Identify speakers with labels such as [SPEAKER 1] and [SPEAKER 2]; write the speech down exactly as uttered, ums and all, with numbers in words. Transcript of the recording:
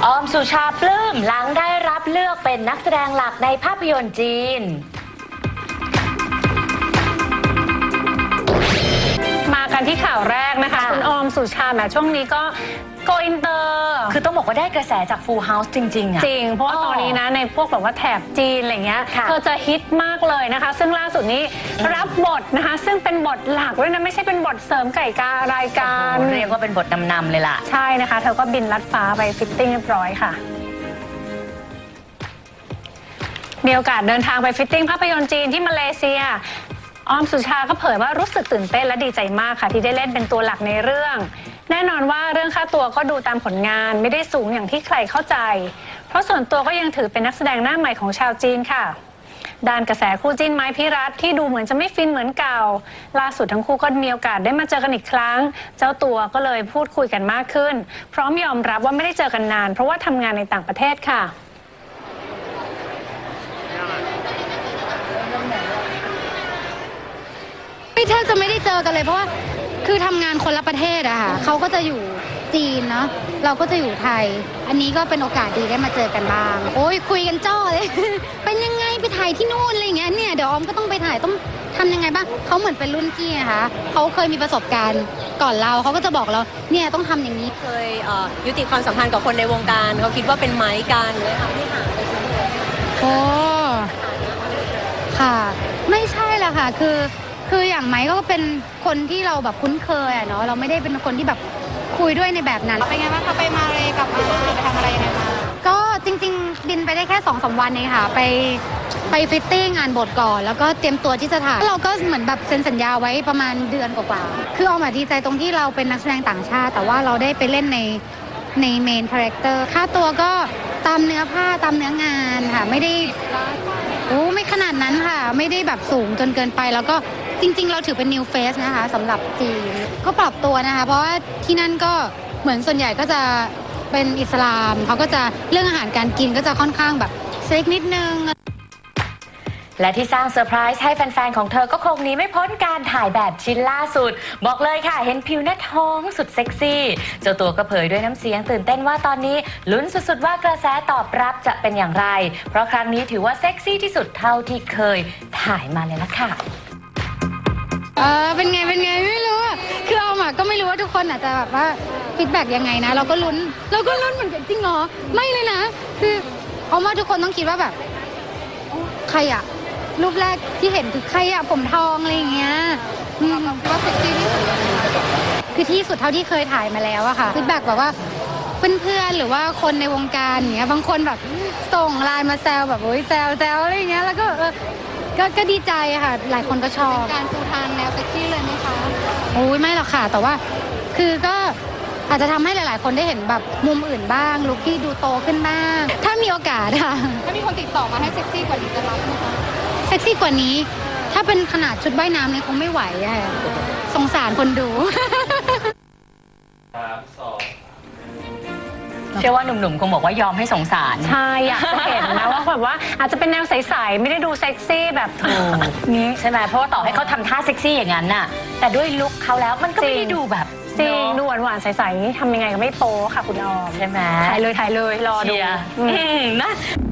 [SPEAKER 1] ออมสุชาปลื้มหลังได้รับเลือกเป็นนักแสดงหลักในภาพยนตร์จีน
[SPEAKER 2] มากันที่ข่าวแรกนะคะคุณออมสุชาแหมช่วงนี้ก็โกอินเตอร์
[SPEAKER 1] คือต้องบอกว่าได้กระแสจาก Full House จริงๆอะ
[SPEAKER 2] จริงเพราะว่าตอนนี้นะในพวกแบบว่าแถบจีนอะไรเงี้ยเธอจะฮิตมากเลยนะคะซึ่งล่าสุดนี้รับบทนะคะซึ่งเป็นบทหลักด้วยนะไม่ใช่เป็นบทเสริมไก่การายการ
[SPEAKER 1] เรียกว่าเป็นบทนำๆเลยล่ะ
[SPEAKER 2] ใช่นะคะเธอก็บินลัดฟ้าไปฟิตติ้งเรียบร้อยค่ะมีโอกาสเดินทางไปฟิตติ้งภาพยนตร์จีนที่มาเลเซียออมสุชาก็เผยว่ารู้สึกตื่นเต้นและดีใจมากค่ะที่ได้เล่นเป็นตัวหลักในเรื่องแน่นอนว่าเรื่องค่าตัวก็ดูตามผลงานไม่ได้สูงอย่างที่ใครเข้าใจเพราะส่วนตัวก็ยังถือเป็นนักแสดงหน้าใหม่ของชาวจีนค่ะด้านกระแสคู่จิ้นไม้พิรัตที่ดูเหมือนจะไม่ฟินเหมือนเก่าล่าสุดทั้งคู่ก็มีโอกาสได้มาเจอกันอีกครั้งเจ้าตัวก็เลยพูดคุยกันมากขึ้นพร้อมยอมรับว่าไม่ได้เจอกันนานเพราะว่าทำงานในต่างประเทศค่ะ
[SPEAKER 3] แทบจะไม่ได้เจอกันเลยเพราะว่าคือทำงานคนละประเทศอะค่ะเขาก็จะอยู่จีนเนาะเราก็จะอยู่ไทยอันนี้ก็เป็นโอกาสดีได้มาเจอกันบ้างโอ้ยคุยกันจ้อเลย เป็นยังไงไปถ่ายที่นู่นอะไรอย่างเงี้ยเนี่ยเดี๋ยวออมก็ต้องไปถ่ายต้องทำยังไงบ้างเขาเหมือนเป็นรุ่นพี่นะคะเขาเคยมีประสบการณ์ก่อนเราเขาก็จะบอกเราเนี่ยต้องทำอย่างนี้
[SPEAKER 4] เคยยุติความสัมพันธ์กับคนในวงการเขาคิดว่าเป็นไม้กันเลยทำให้ห่างไปชั่วโมง
[SPEAKER 3] โอ้ค่ะไม่ใช่ละค่ะคือคืออย่างไม้ก็เป็นคนที่เราแบบคุ้นเคยอะเนาะเราไม่ได้เป็นคนที่แบบคุยด้วยในแบบนั้นเป็นไงบ้างคะไปมาเลยกลับมาไปทำอะไรยังไงมาก็จริงๆบินไปได้แค่สองสามวันเองค่ะไปไปฟิตติ้งงานบทก่อนแล้วก็เตรียมตัวที่จะถ่ายเราก็เหมือนแบบเซ็นสัญญาไว้ประมาณเดือนกว่าๆคือออมดีใจตรงที่เราเป็นนักแสดงต่างชาติแต่ว่าเราได้ไปเล่นในในเมนคาแรคเตอร์ค่าตัวก็ตามเนื้อผ้าตามเนื้องานค่ะไม่ได้โอ้ไม่ขนาดนั้นค่ะไม่ได้แบบสูงจนเกินไปแล้วก็จริงๆเราถือเป็น new face นะคะสำหรับจีนก็ปรับตัวนะคะเพราะว่าที่นั่นก็เหมือนส่วนใหญ่ก็จะเป็นอิสลามเขาก็จะเรื่องอาหารการกินก็จะค่อนข้างแบบเซ็กนิดนึง
[SPEAKER 1] และที่สร้างเซอร์ไพรส์ให้แฟนๆของเธอก็คงหนีไม่พ้นการถ่ายแบบชิ้นล่าสุดบอกเลยค่ะเห็นผิวหน้าท้องสุดเซ็กซี่เจ้าตัวก็เผยด้วยน้ำเสียงตื่นเต้นว่าตอนนี้ลุ้นสุดๆว่ากระแสตอบรับจะเป็นอย่างไรเพราะครั้งนี้ถือว่าเซ็กซี่ที่สุดเท่าที่เคยถ่ายมาเลยละค่ะ
[SPEAKER 3] เออเป็นไงเป็นไงไม่รู้คือเอามาก็ไม่รู้ว่าทุกคนอาจจะแบบว่าฟีดแบ็กยังไงนะเราก็ลุ้นเราก็ลุ้นเหมือนกันจริงเหรอไม่เลยนะคือเอามาทุกคนต้องคิดว่าแบบใครอะรูปแรกที่เห็นคือใครอะผมทองอะไรอย่างเงี้ยว่าเซ็กซี่ที่สุดคือที่สุดเท่าที่เคยถ่ายมาแล้วอะค่ะฟีดแบ็กแบบว่าเพื่อนๆหรือว่าคนในวงการอย่างเงี้ยบางคนแบบส่งไลน์มาแซวแบบโอ้ยแซวแซวอะไรอย่างเงี้ยแล้วก็ก็ก็ดีใจค่ะหลายคนก็ชอบการปูทางแนวเซ็กซี่เลยไหมคะโอ้ยไม่หรอกค่ะแต่ว่าคือก็อาจจะทำให้หลายๆคนได้เห็นแบบมุมอื่นบ้างลุคที่ดูโตขึ้นบ้างถ้ามีโอกาสค่ะถ้ามีคนติดต่อมาให้เซ็กซี่กว่านี้จะรับไหมคะเซ็กซี่กว่านี้ถ้าเป็นขนาดชุดว่ายน้ำเนี่ยคงไม่ไหวอะสงสารคนดู
[SPEAKER 1] เชื่อว่าหนุ่มๆคงบอกว่ายอมให้สงสาร
[SPEAKER 2] ใช่อยากจะเห็นนะว่าแบบว่าอาจจะเป็นแนวใสๆไม่ได้ดูเซ็กซี่แบบถูก
[SPEAKER 1] นี้ใช่ไหมเพราะว่าต่อให้เขาทำท่าเซ็กซี่อย่างนั้นน่ะแต่ด้วยลุคเขาแล้วมันก็ไม่ได้ดูแบบ
[SPEAKER 2] จริงดูหวานๆใสๆทำยังไงก็ไม่โป๊ค่ะคุณออม
[SPEAKER 1] ใช่ไหม
[SPEAKER 2] ถ่ายเลยถ่ายเลยรอดู
[SPEAKER 1] นะ